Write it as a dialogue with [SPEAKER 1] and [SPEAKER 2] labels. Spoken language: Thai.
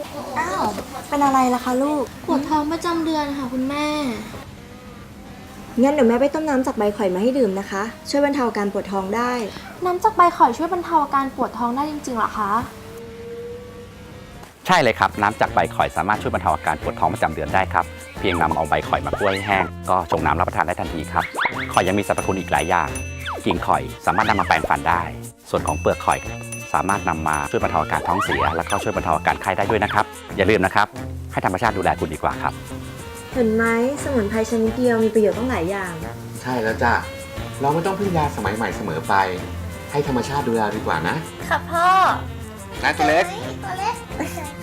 [SPEAKER 1] อ้าว เป็นอะไรล่ะคะลูก
[SPEAKER 2] ปวดท้องประจำเดือนค่ะคุณแม่
[SPEAKER 1] งั้นเดี๋ยวแม่ไปต้มน้ำจากใบข่อยมาให้ดื่มนะคะ ช่วยบรรเทาอาการปวดท้องได้
[SPEAKER 2] น้ำจากใบข่อยช่วยบรรเทาอาการปวดท้องได้จริงๆเหรอคะ
[SPEAKER 3] ใช่เลยครับน้ำจากใบข่อยสามารถช่วยบรรเทาอาการปวดท้องประจำเดือนได้ครับเพียงนำเอาใบข่อยมาคั่วให้แห้งก็ชงน้ำรับประทานได้ทันทีครับข่อยยังมีสรรพคุณอีกหลายอย่างกิ่งข่อยสามารถนำมาแปรงฟันได้ ส่วนของเปลือกข่อยสามารถนำมาช่วยบรรเทาอาการท้องเสียแล้วก็ช่วยบรรเทาอาการไข้ได้ด้วยนะครับอย่าลืมนะครับให้ธรรมชาติดูแลคุณดีกว่าครับ
[SPEAKER 1] เห็นไหมสมุนไพรชนิดเดียวมีประโยชน์ต้องหลายอย่าง
[SPEAKER 4] ใช่แล้วจ้ะ เราไม่ต้องพึ่งยาสมัยใหม่เสมอไป ให้ธรรมชาติดูแลดีกว่านะ
[SPEAKER 1] ค่ะพ่อ
[SPEAKER 4] นะตัวเล็ก
[SPEAKER 1] ตัวเล็ก